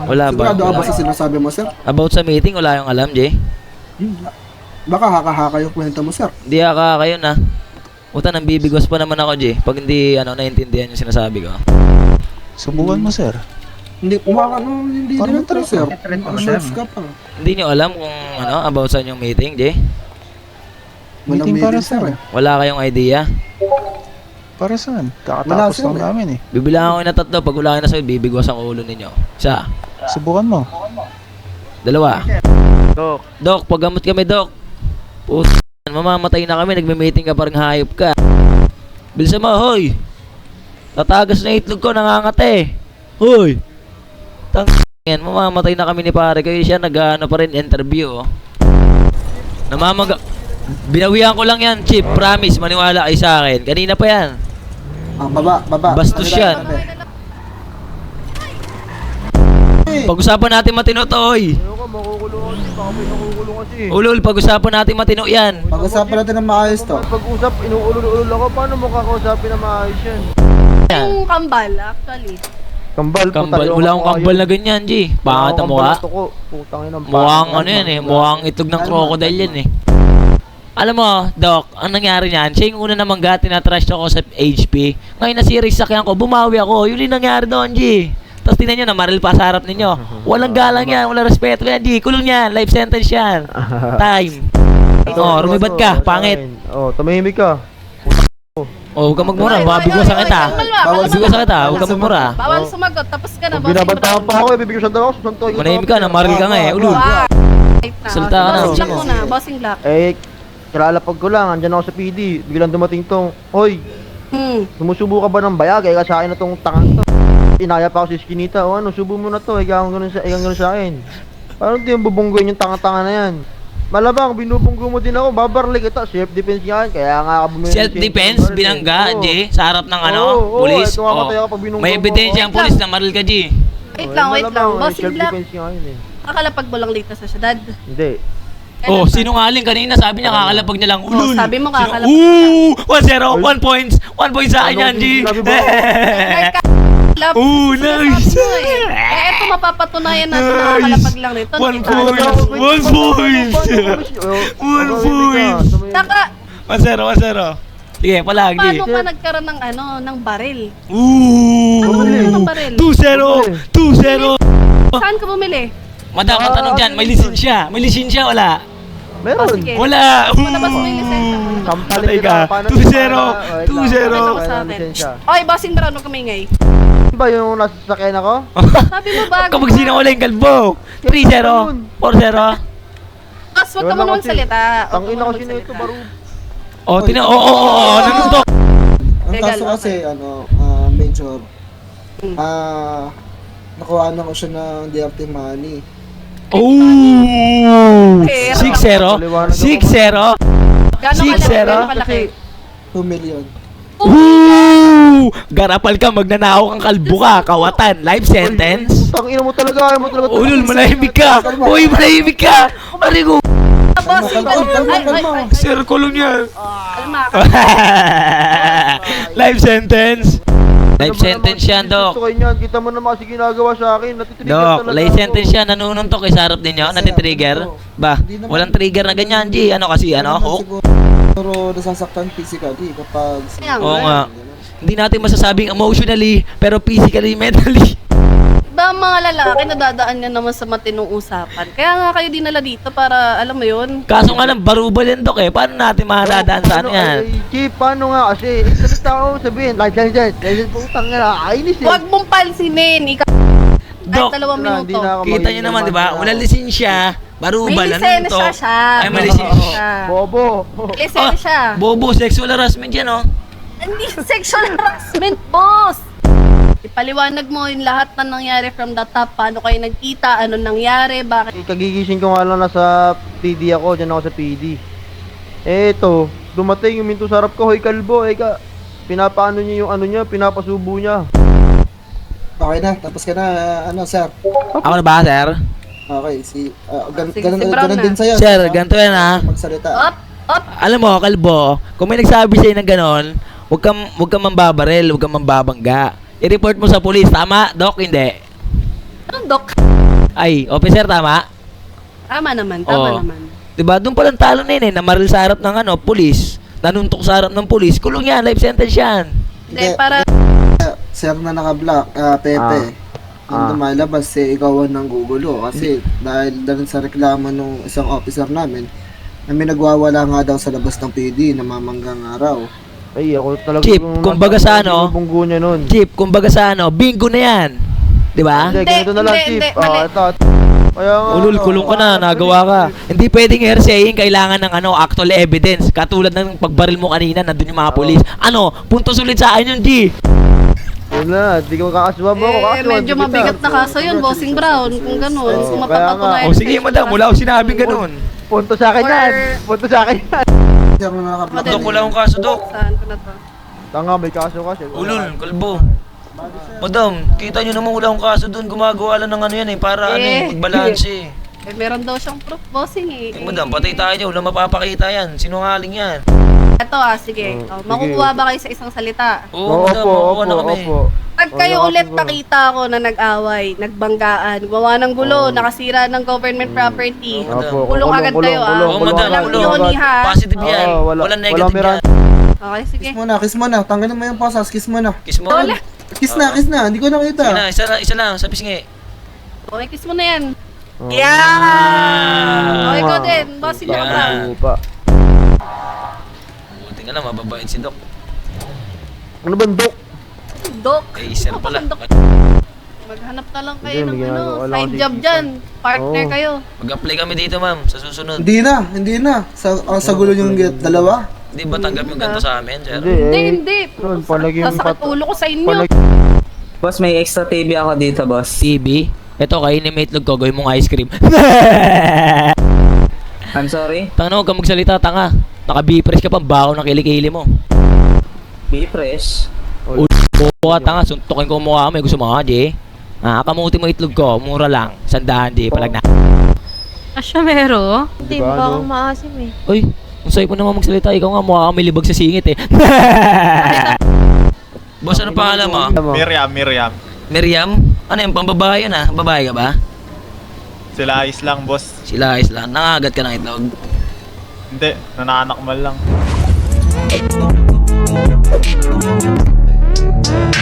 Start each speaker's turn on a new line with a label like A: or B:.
A: Wala ba?
B: Sigurado ka ba sa sinasabi mo, sir?
A: About sa meeting, wala yung alam, Jay.
B: Baka haka-haka yung kwento mo, sir.
A: Hindi kayo na. Uta, nang bibigwas pa naman ako, Jay. Pag hindi, naiintindihan yung sinasabi ko.
C: Subukan mo, sir.
B: Hindi, hindi din ito, sir. Nerves ka pa.
A: Hindi nyo alam kung, about sa yung meeting, Jay?
B: Walang
C: Meeting para
B: meeting, sir.
C: saan?
A: Wala kayong idea?
C: Para saan?
B: Wala,
C: Kakatapos
B: sir,
C: lang namin eh.
A: Bibilangan ko na 3. Pag wala kayo na sa'yo, bibigwas ang ulo ninyo. Isa.
C: Subukan mo.
A: 2. Dok, paggamot kami, Dok. Puta, mamamatay na kami. Nagme-meeting ka parang hayop ka. Bilisan mo, hoy. Tatagas na itlog ko, nangangate. Hoy. Yan, mamamatay na kami ni pare. Kaya siya nag-ano pa rin interview, oh. Binawihan ko lang yan, Chip. Promise, maniwala kayo sa akin. Kanina pa yan.
B: Baba.
A: Bastos yan. Pag-usapan natin matino to, oy.
D: Ano ka, makukulong kasi. Baka may nakukulong kasi.
A: Ulul, pag-usapan natin matino yan.
B: Pag-usapan natin ng maayos to.
D: Pag-usap, inuulol-ulol ako. Paano mo kakausapin na maayos yan?
E: Yung kambal, actually.
D: Kambal.
A: Wala akong kambal na ganyan, G. Pangat ang mukha. Mukhang yan eh. Mukhang itlog ng crocodile yan eh. Alam mo, Doc, ang nangyari niyan, siya yung una namang gati na trash ako sa HP. Ngayon na-series sakyan ko, bumawi ako. Yun yung nangyari doon, G. Tapos tingnan nyo, namaril pa sa harap ninyo. Walang galang yan, walang respeto yan, G. Kulong yan, life sentence yan. Time. Rumibad ka, pangit.
D: Tumahimik ka.
A: Huwag ka magmura, baka bigwasan kita. Bigwasan kita, huwag ka magmura.
E: Bawal sumagot, tapos ka na.
D: Binabantahan pa ako eh, bibigyan daw ako, susuntoy ko.
A: Manahimik ka, namaril ka nga eh, ulul. Salita ka na.
E: Bossing black muna, bossing black.
D: Kalalapag ko lang, andyan ako sa PD. Biglang dumating tong, hoy, sumusubo ka ba ng bayag? Eka sa akin na tong tangan to. Inaya pa ako si Skinita, o ano, subo mo na to, eka ganun sa akin. Parang di yung bubunggoyin yung tanga-tanga na yan. Malabang, binubunggo mo din ako, babarlik ito, self-defense yan, kaya nga ka bumili.
A: Self-defense, binangga, G, sa harap ng pulis. May ebidensya ang pulis na maril ka, G.
E: Wait lang, bossing black.
D: Self-defense nga yun eh.
E: Kakalapag mo lang dito sa syudad.
D: Hindi.
A: Sinungaling kanina, sabi niya kakalapag niya lang, ulul.
E: Sabi mo kakalapag.
A: 1-0, 1 points. 1 point sa akin yan, G. Nice.
E: Ito mapapatunayan natin na kakalapag lang nito.
A: 1 point. 1 point.
E: Saka,
A: 1-0. Sige, palagi.
E: paano ka nagkaroon ng ng baril?
A: Ano
E: ba naman ng baril?
A: 2-0.
E: Saan ka bumili?
A: Madam, ang tanong dyan, may lisensya. May lisensya, wala?
D: Meron.
E: Sige.
A: Wala.
E: Palabas mo yung lisensya.
D: Sampalin
A: Patay ka.
D: kita, paano
A: 2-0.
D: para-
A: 2-0.
E: Pakita mo sa akin. Oy, bossing brown, huwag kamingay.
D: Ba yung nasa sakyan ako?
E: Sabi mo bago.
A: Kapag sinungaling kalbo. 3-0. 4-0.
E: Boss, huwag ka mo naman salita.
D: Ang ina kasi na ito, baro.
A: Nanundok.
B: Ang kaso kasi, Major, nakuha na ko siya ng DRT money. 6-0. 6-0.
E: Gano'ng
A: 6-0.
E: kalaki?
B: 2 million.
A: Garapal ka, magnanakaw kang kalbo ka. Kawatan. Life sentence.
D: Ang ina mo talaga, ayaw mo talaga.
A: Ulul, malahimik ka. Uy, malahimik ka. Marigo.
E: Bossing brown.
A: Sir, kulong yan.
E: Kalma.
A: Life sentence. Life sentence yan, Dok.
D: Kita mo naman kasi ginagawa sa akin. Natitrigger
A: Dok,
D: talaga
A: life
D: ako.
A: sentence yan. Nanununtok sa harap ninyo. Natitrigger. Ba, walang trigger na ganyan, G. Ano kasi, hook?
B: Siguro nasasaktan physically kapag...
A: Oo nga. Hindi natin masasabing emotionally, pero physically, mentally.
E: Ba mga lalaki nadadaan niya naman sa matinong usapan. Kaya nga kayo dinala dito para alam mo 'yun.
A: Kaso nga lang, barubal yan, Dok eh. Paano natin makadadaan sa ano yan?
D: Chief, paano nga kasi? Salita ko sabihin, license, putang nga, kainis eh.
E: Huwag mong pansinin. Ikaw
A: Dok,
E: ay 2 minuto.
A: kita nyo naman, di ba? Walang lisensya. Barubal,
E: May
A: ano to?
E: lisensya siya.
A: Ay, may lisensya.
D: Bobo.
E: May lisensya.
A: Bobo, sexual harassment yan, oh.
E: Hindi sexual harassment, boss. Ipaliwanag mo yung lahat na nangyari from the top. Paano kayo nagkita? Ano nangyari? Bakit?
D: Kagigising ko nga lang nasa PD ako, dyan ako sa PD. Eto, dumating yung minto sa harap ko, hoy kalbo, pinapaano niya yung ano niya, pinapasubo niya.
B: Okay na, tapos ka na, sir.
A: Ako na ba, sir?
B: Okay,
E: Sige, si Brown
B: ganun
E: na.
B: din sa'yo.
A: Sir, ganito yan, ha?
B: Magsalita.
E: Up!
A: Alam mo, kalbo, kung may nagsabi sa'yo ng ganon, huwag kang mambabaril, huwag kang mambabangga. I-report mo sa police, tama? Dok, hindi.
E: Anong Doc?
A: Ay, officer, tama?
E: Tama naman,
A: Oo.
E: naman.
A: Diba? Doon palang talo na yun eh. Namaril sa harap ng pulis. Nanuntok sa harap ng pulis. Kulong yan. Life sentence yan.
E: Hindi, para...
B: Sir na naka-block, Pepe. Yung lumalabas, ikaw ang nanggugulo. Kasi dahil sa reklamo ng isang officer namin, na may nagwawala nga daw sa labas ng PD na mamanggang araw.
D: Ay, ako talaga.
A: Chief, kumbaga sa ano?
D: Bunggo niya nun.
A: Chip, kumbaga sa bingo na yan. Diba?
D: Hindi, ganito na lang,
E: Hindi,
D: Chief.
E: hindi, mali.
D: Ito. Kaya nga.
A: Ulul, kulong ka na, nagawa ka. Hindi pwedeng hearsaying, kailangan ng actual evidence. Katulad ng pagbaril mo kanina, nandun yung mga polis. Puntos ulit sa akin yung G.
D: Yun na, di ko makakasuhan mo ako.
E: medyo mabigat na kaso yun, Bossing Brown. Kung gano'n, kung
D: kaya nga.
E: mapapatunayan.
A: O sige, madam, wala akong sinabing ganun.
D: Punto sa akin yan. Punto sa akin yan.
B: Sir na naka-block.
A: Dok, wala akong kaso, Dok.
E: Saan ko na to?
D: Tanga, may kaso kasi.
A: Ulul, kalbo. Madam, kita nyo naman wala akong kaso doon. Gumagawa lang ng yan para magbalanse.
E: Meron daw siyang proof, Bossing eh.
A: Madam, patay tayo. Wala mapapakita yan. Sinungaling yan.
E: Ito sige. Makukuha ba kayo sa isang salita?
A: Oo, madam, makukuha na kami.
E: Pag kayo ulit nakita ko na nag-away, nagbanggaan, gumawa ng gulo, nakasira ng government property, kulong agad kayo
A: Oo, madam,
E: Walang
A: kulong.
E: yoni, ha?
A: Positive yan. Walang negative yan.
E: Okay, sige.
B: Kiss mo na. Tanggalin mo yung pasas, kiss mo na.
A: Kiss mo.
E: Wala.
B: Kiss na, hindi ko nakita.
A: Sige na, isa lang, sa pisngi.
E: Okay, kiss mo na yan.
A: Yeah!
E: Okay, ikaw din. Bossing
A: Yeah.
E: Brown.
A: Buti nga lang, mababait si Doc.
D: Ano ba, Dok?
E: Doc.
A: Sir pala.
E: Maghanap na lang kayo
D: Hindi,
E: ng
D: may ginagawa lang
E: side
D: ako
E: job
D: dito.
E: dyan. Partner
D: Oo.
E: kayo.
A: Mag-apply kami dito, ma'am, sa susunod.
B: Hindi na. Sa gulo yung get, dalawa.
A: Hindi ba tanggap yung ganito sa amin, sir?
E: Hindi.
D: Yun, palaging
E: Sasakit ulo ko sa inyo.
F: Boss, may extra TV ako dito, boss.
A: TV? Ito, kainin mo itlog ko, gawin mong ice cream.
F: I'm sorry.
A: Tanga, huwag ka magsalita, tanga. Naka-B-press ka pa, bako ng kilikili mo.
F: Be fresh.
A: Buka, tanga, suntukin ko mukha mo, gusto mo, di? Kamuti mo itlog ko, mura lang. 100, di, palag na.
G: Asyamero? Hindi
D: Diba,
G: ba
D: ano?
G: akong maasim eh.
A: Uy, ang sayo po naman magsalita, ikaw nga mukha kang may libag sa singit eh. Boss, ano pangalan mo?
H: Miriam.
A: Miriam? Ano yung pambabae yun Babae ka ba?
H: Sila ayos lang, boss.
A: Sila ayos lang. Nangagat ka ng itlog.
H: Hindi, nananakmal lang.